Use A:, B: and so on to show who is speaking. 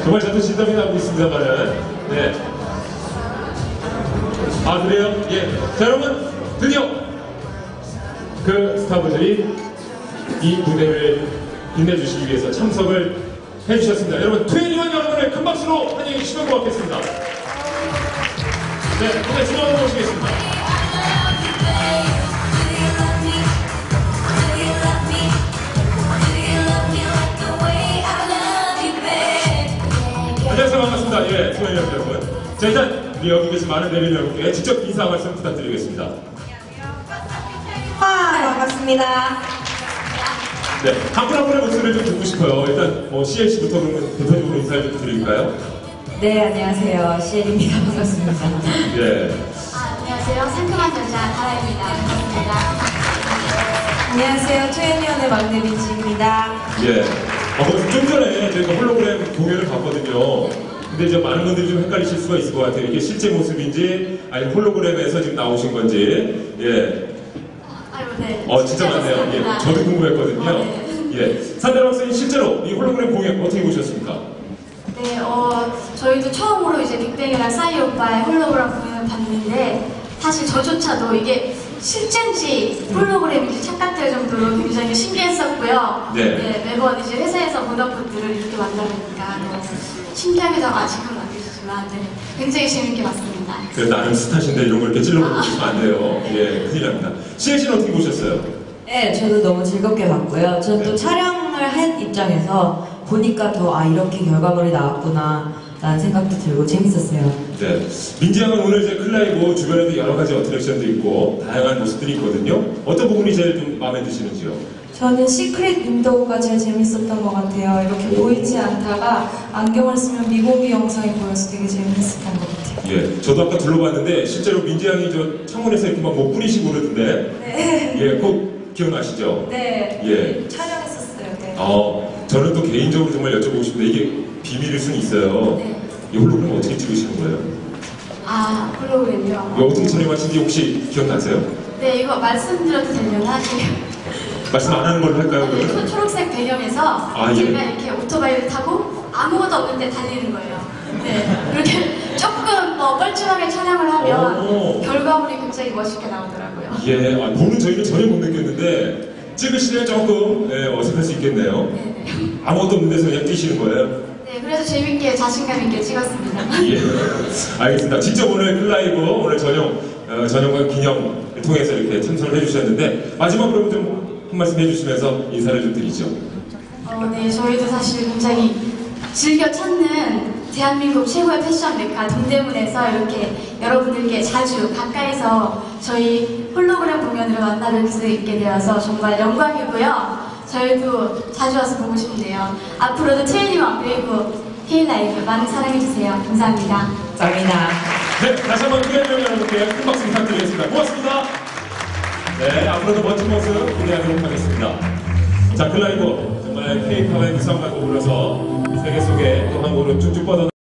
A: 정말 저도 진담이 나고 있습니다만은. 네. 아, 그래요? 예. 자, 여러분, 드디어 그 스타분들이 이 무대를 빛내주시기 위해서 참석을 해주셨습니다. 여러분, 2NE1 여러분을 큰 박수로 환영해 주시면 고맙겠습니다. 네, 무대 중앙으로 모시겠습니다. 안녕하세요. 반갑습니다. 예, 2NE1 여러분. 자, 일단 우리 여기 계신 많은 내빈 여러분께 직접 인사 말씀 부탁드리겠습니다.
B: 반갑습니다.
A: 네, 한 분 한 분의 목소리를 좀 듣고 싶어요. 일단 뭐 CLC부터 그러면 대표적으로 인사를 좀 드릴까요?
B: 네, 안녕하세요. CL입니다. 반갑습니다.
A: 예.
C: 안녕하세요. 상큼한 여자 다라입니다. 반갑습니다.
B: 안녕하세요. 2NE1의 막내 민지입니다.
A: 예. 좀 전에 저희가 홀로그램 공연을 봤거든요. 근데 이제 많은 분들이 좀 헷갈리실 수가 있을 것 같아요. 이게 실제 모습인지 아니면 홀로그램에서 지금 나오신 건지. 예.
C: 아유, 네.
A: 진짜 많네요. 예. 저도 궁금했거든요. 예. 산다라 박사님 실제로 이 홀로그램 공연 어떻게 보셨습니까?
C: 네, 저희도 처음으로 이제 빅뱅이랑 싸이 오빠의 홀로그램 공연을 봤는데 사실 저조차도 이게 실제인지 홀로그램인지 착각될 정도로 굉장히 신기했었고요.
A: 네.
C: 매번 이제 회사에서 보던 분들을 이렇게 만나보니까 너무 신기하기도 하고 아직은 아니지만 네, 굉장히 재밌게 봤습니다.
A: 그래, 나는 스타신데 이런 걸 이렇게 찔러보시면 안 돼요. 예, 큰일 납니다. CLC는 어떻게 보셨어요?
B: 네, 저도 너무 즐겁게 봤고요. 저는 또 촬영을 한 입장에서 보니까 더 이렇게 결과물이 나왔구나 라는 생각도 들고 재밌었어요.
A: 네. 민지 양은 오늘 이제 클라이브 주변에도 여러 가지 어트랙션도 있고 다양한 모습들이 있거든요. 어떤 부분이 제일 좀 마음에 드시는지요?
D: 저는 시크릿 윈도우가 제일 재밌었던 것 같아요. 이렇게 보이지 않다가 안경을 쓰면 미공개 영상이 보여서 되게 재밌었던 것 같아요.
A: 예, 저도 아까 둘러봤는데 실제로 민지 양이 저 창문에서 이렇게 막 뭐 뿌리시고 그러던데.
D: 네.
A: 예, 꼭 기억나시죠?
D: 네.
A: 예.
D: 촬영했었어요. 네.
A: 저는 또 개인적으로 정말 여쭤보고 싶은데 이게 비밀일 수는 있어요.
C: 네.
A: 이 홀로그램 어떻게 찍으시는 거예요?
C: 홀로그램이요?
A: 이거 어떻게 촬영하신지 혹시 기억나세요?
C: 네, 이거 말씀드려도 되려나?
A: 말씀 안 하는 걸로 할까요?
C: 네,
A: 그러면?
C: 초록색 배경에서
A: 예.
C: 제가 이렇게 오토바이를 타고 아무것도 없는데 달리는 거예요. 네, 이렇게 조금 뻘쭘하게 촬영을 하면 결과물이 굉장히 멋있게 나오더라고요.
A: 예, 보는 저희는 전혀 못 느꼈는데 찍으시면 조금 어색할 수 있겠네요.
C: 네.
A: 아무것도 없는 데서 그냥 뛰시는 거예요?
C: 네, 그래서 재밌게 자신감 있게 찍었습니다.
A: 예, 알겠습니다. 직접 오늘 클라이브 오늘 전용과 기념을 통해서 이렇게 참석을 해주셨는데 마지막으로 좀 한 말씀 해주시면서 인사를 좀 드리죠.
C: 네, 저희도 사실 굉장히 즐겨 찾는 대한민국 최고의 패션 메카 동대문에서 이렇게 여러분들께 자주 가까이서 저희 홀로그램 공연으로 만나뵐 수 있게 되어서 정말 영광이고요. 저희도 자주 와서 보고 싶네요. 앞으로도 2NE1 그리고 힐라이브 많은 사랑해주세요. 감사합니다.
B: 감사합니다.
A: 네, 다시 한번 2NE1 여러분께 큰 박수 부탁드리겠습니다. 고맙습니다. 네, 앞으로도 멋진 모습 기대하도록 하겠습니다. 자, 클라이브 정말 K-팝의 구성과 더불어서 세계 속에 또 한 걸음 쭉쭉 뻗어